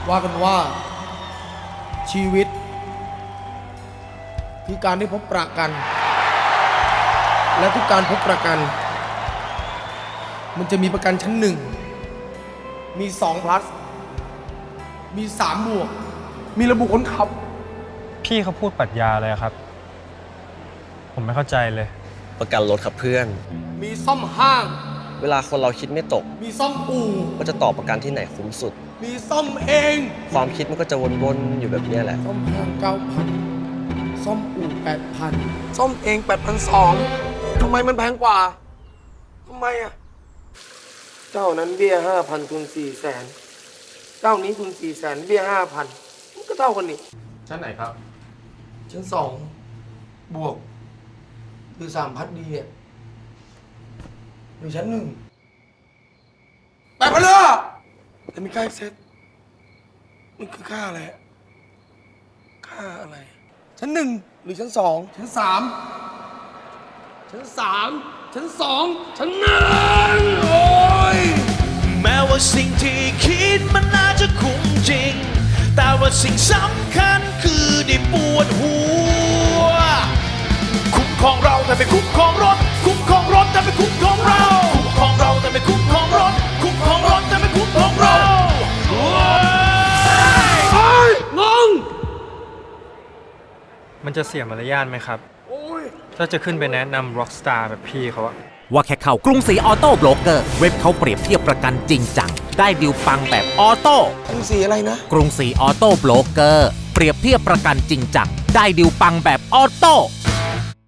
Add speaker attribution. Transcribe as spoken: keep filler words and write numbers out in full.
Speaker 1: ว่ากันว่าชีวิตคือการได้พบประกัน และทุกการพบประกัน มันจะมีประกันชั้นหนึ่งมีสอง plus มีสามบวกมีระบุคนขับ
Speaker 2: พี่เขาพูดปรัชญาอะไรครับ ผมไม่เข้าใจเลย
Speaker 3: ประกันรถครับเพื่อน
Speaker 1: มีซ่อมห้าง
Speaker 3: เวลาคนเราคิดไม่ตก
Speaker 1: มีซ่อมอู่
Speaker 3: ว่าจะต่อประกันที่ไหนคุ้มสุด
Speaker 1: มีซ่อมเอง
Speaker 3: ความคิดมันก็จะวนๆอยู่แบบนี้แหละ
Speaker 1: ซ่อมห้างเก้าพันซ่อมอู่แปดพันซ่อมเองแปดพันสองทำไมมันแพงกว่าทำไมอ่ะเจ้านั้นเบี้ยห้าพันทุนสี่แสนเจ้านี้ทุนสี่แสนเบี้ยห้าพันมันก็เท่ากันนี่ชั้นไหนครับชั้นสองบวกหรือสามพัดดีเนี่ยหรือชั้นหนึ่งแปดพันเลยอะแต่มีค่าเซ็ตมันคือค่าอะไรอะค่าอะไร ชั้นหนึ่งหรือชั้นสองชั้นสามชั้นสามชั้นสองชั้นหนึ่งโอ้ย
Speaker 4: แม้ว่าสิ่งที่คิดมันน่าจะคุ้มจริง แต่ว่าสิ่งสำคัญคือได้ปวดหัว คุ้มครองเราแต่ไม่คุ้มครองรถ คุ้มครองรถแต่ไม่คุ้มครองเรา คุ้มครองเราแต่ไม่คุ้มครองรถ คุ้มครองรถแต่ไม่คุ้มครองเราโอ้ย
Speaker 1: โอ้ยงง
Speaker 2: มันจะเสียมารยาทไหมครับ
Speaker 1: โอ้ย
Speaker 2: ถ้าจะขึ้นไปแนะนำร็อกสตาร์แบบพี่เขาอะ
Speaker 5: ว่าแค่เข้ากรุงศรีออโต้โบรกเกอร์เว็บเขาเปรียบเทียบประกันจริงจังได้ดิวปังแบบออโต้
Speaker 1: กรุงศรีอะไรนะ
Speaker 5: กรุงศรีออโต้โบรกเกอร์เปรียบเทียบประกันจริงจังได้ดิวปังแบบออโต้